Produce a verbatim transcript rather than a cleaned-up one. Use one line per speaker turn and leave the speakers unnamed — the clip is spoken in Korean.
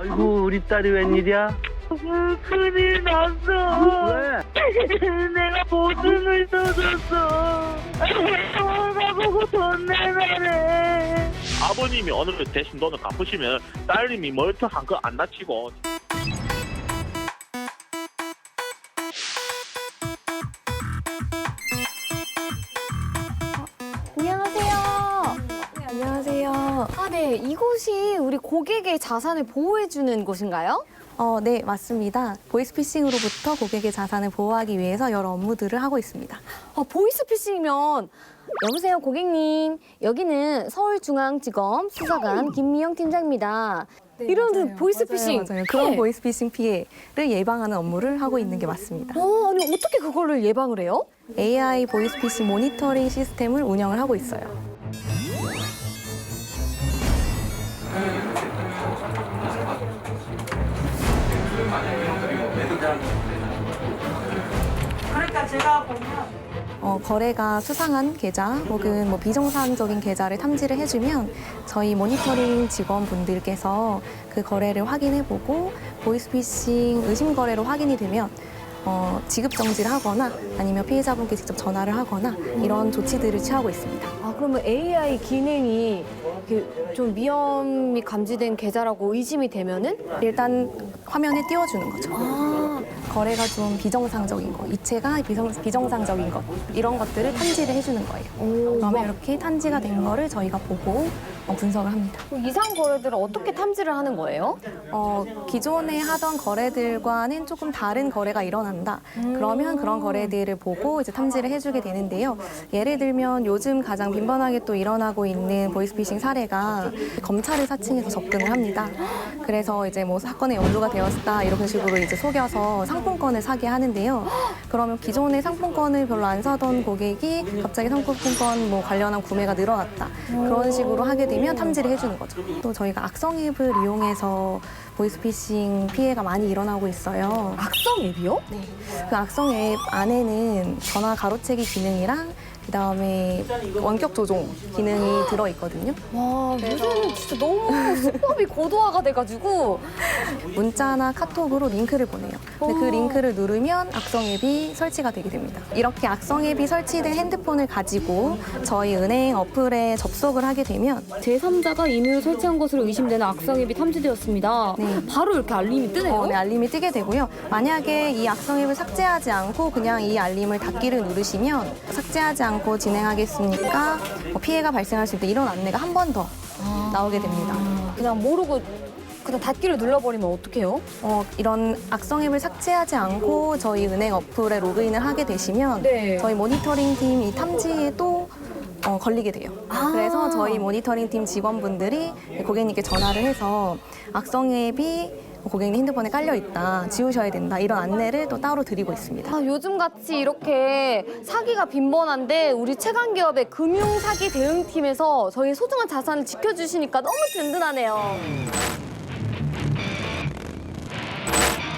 아이고 우리 딸이 웬일이야?
그, 큰일 났어.
왜?
내가 보증을 써줬어. 나보고 돈 내놔래.
아버님이 어느 정도 대신 돈을 갚으시면 딸님이 멀쩡한 거 안 다치고.
안녕하세요. 네, 안녕하세요. 아, 네. 이곳이 우리 고객의 자산을 보호해주는 곳인가요?
어, 네, 맞습니다. 보이스피싱으로부터 고객의 자산을 보호하기 위해서 여러 업무들을 하고 있습니다.
아, 보이스피싱이면 여보세요, 고객님. 여기는 서울중앙지검 수사관 김미영 팀장입니다. 이런
네, 맞아요.
보이스피싱.
맞아요, 맞아요. 그런
네.
보이스피싱 피해를 예방하는 업무를 하고 있는 게 맞습니다.
어, 아니 어떻게 그거를 예방을 해요?
에이아이 보이스피싱 모니터링 시스템을 운영을 하고 있어요.
그러니까 제가 보면
어, 거래가 수상한 계좌 혹은 뭐 비정상적인 계좌를 탐지를 해주면 저희 모니터링 직원분들께서 그 거래를 확인해보고 보이스피싱 의심 거래로 확인이 되면 어, 지급 정지를 하거나 아니면 피해자분께 직접 전화를 하거나 이런 조치들을 취하고 있습니다.
아, 그러면 에이아이 기능이 이렇게 좀 위험이 감지된 계좌라고 의심이 되면은?
일단 화면에 띄워주는 거죠.
아,
거래가 좀 비정상적인 거, 이체가 비정, 비정상적인 것 이런 것들을 탐지를 해주는 거예요.
오,
그러면 이렇게 탐지가 된 거를 저희가 보고 어, 분석을 합니다.
이상 거래들을 어떻게 탐지를 하는 거예요?
어, 기존에 하던 거래들과는 조금 다른 거래가 일어난다. 그러면 그런 거래들을 보고 이제 탐지를 해주게 되는데요. 예를 들면 요즘 가장 빈번하게 또 일어나고 있는 보이스피싱 사례가 검찰을 사칭해서 접근을 합니다. 그래서 이제 뭐 사건에 연루가 되었다 이런 식으로 이제 속여서 상품권을 사게 하는데요. 그러면 기존에 상품권을 별로 안 사던 고객이 갑자기 상품권 뭐 관련한 구매가 늘어났다. 그런 식으로 하게 되면 탐지를 해주는 거죠. 또 저희가 악성 앱을 이용해서 보이스피싱 피해가 많이 일어나고 있어요.
악성 앱이요?
네. 그 악성 앱 안에는 전화 가로채기 기능이랑 그다음에 원격 조종 기능이 들어 있거든요.
와, 요새는 진짜 너무 수법이 고도화가 돼가지고.
문자나 카톡으로 링크를 보내요. 근데 그
오.
링크를 누르면 악성 앱이 설치가 되게 됩니다. 이렇게 악성 앱이 설치된 핸드폰을 가지고 저희 은행 어플에 접속을 하게 되면
제삼자가 임의로 설치한 것으로 의심되는 악성 앱이 탐지되었습니다.
네.
바로 이렇게 알림이 뜨네요.
어, 네, 알림이 뜨게 되고요. 만약에 이 악성 앱을 삭제하지 않고 그냥 이 알림을 닫기를 누르시면 삭제하지 않고 진행하겠습니까? 뭐 피해가 발생할 수 있다 이런 안내가 한 번 더 나오게 됩니다.
그냥 모르고 그냥 닫기를 눌러버리면 어떡해요?
어, 이런 악성 앱을 삭제하지 않고 저희 은행 어플에 로그인을 하게 되시면
네.
저희 모니터링 팀 이 탐지에 또 어, 걸리게 돼요.
아.
그래서 저희 모니터링 팀 직원분들이 고객님께 전화를 해서 악성 앱이 고객님 핸드폰에 깔려 있다, 지우셔야 된다 이런 안내를 또 따로 드리고 있습니다.
아, 요즘같이 이렇게 사기가 빈번한데 우리 최강기업의 금융사기 대응팀에서 저희 소중한 자산을 지켜주시니까 너무 든든하네요.